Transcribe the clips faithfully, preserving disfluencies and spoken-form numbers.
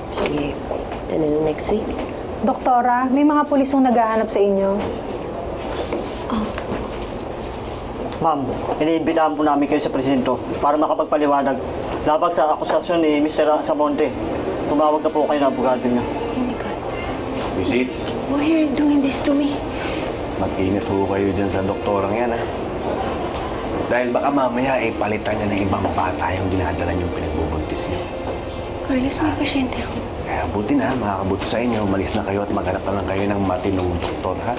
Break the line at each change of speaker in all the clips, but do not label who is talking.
Sige, ito na lang next week.
Doktora, may mga pulisong naghahanap sa inyo.
Ma'am, iniimbitahan po namin kayo sa presinto para makapagpaliwanag labag sa akusasyon ni mister Samonte. Tumawag na po kayo ng abogado niya.
Oh my God.
Misis,
Why are you doing this to me?
mag-ingat ho kayo dyan sa doktorang yan, ha? Dahil baka mamaya, eh, palitan niya ng ibang bata yung dinadala niyong pinagbubuntis niyo.
Carlos, may pasyente ako.
Kaya buti na, makakabuti sa inyo. Umalis na kayo at maghanap na lang kayo ng matinong doktor, ha?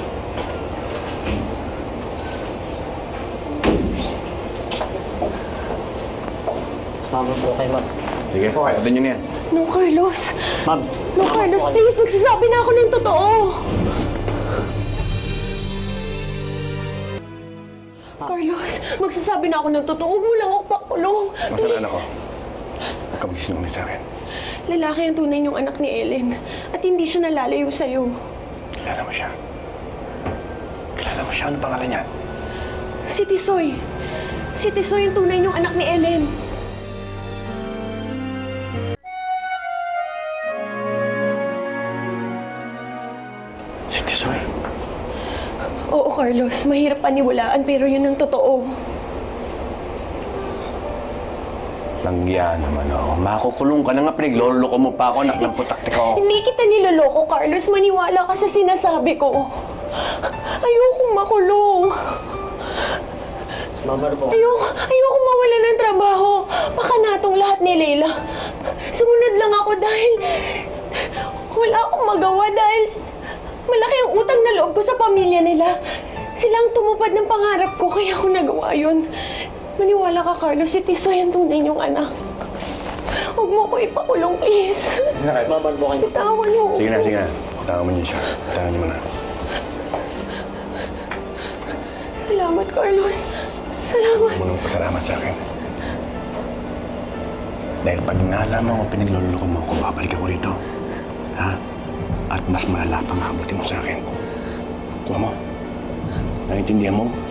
Sumama po kayo, ma'am.
Sige, pakutin niyo na yan.
No, Carlos.
Ma'am.
No, Carlos, please, magsasabi na ako ng totoo. Carlos, magsasabi na ako ng totoo. Huwag mo lang ako pakulong.
Nasaan anak ko? Huwag ka magsinungaling sa akin.
Lalaki ang tunay niyong anak ni Ellen. At hindi siya nalalayo sa'yo.
Kilala mo siya. Kilala mo siya. Ano pangalan niya?
Si Tisoy. Si Tisoy ang tunay niyong anak ni Ellen.
Si Tisoy.
Oo, Carlos. Mahirap paniwalaan pero yun ang totoo.
Langya naman, oh. Makukulong ka na nga. Pinagloloko mo pa ako, anak ng putakti ko.
Hindi kita niloloko, Carlos. Maniwala ka sa sinasabi ko. Ayokong makulong.
Sumama na po.
Ayoko, ayoko mawala ng trabaho. Baka natong lahat ni Leila. Sumunod lang ako dahil wala akong magawa dahil malaki ang utang na loob ko sa pamilya nila. Silang tumupad ng pangarap ko kaya ako nagawa yun. Maniwala ka, Carlos. Si Tisoy ang tunay niyong anak. Huwag mo ko ipakulong, please.
Sumama na po kayo.
Bitawan mo.
Sige na, sige na. Tawa mo niyo siya. Tawa niyo mo na.
Salamat, Carlos. Salamat.
Huwag mo nang pasalamat sa akin. Dahil pag nalaman mo pinagloloko mo ako, babalik ako rito. Ha? At mas malala pang habutin mo sa akin. Kuha mo. Naintindihan mo?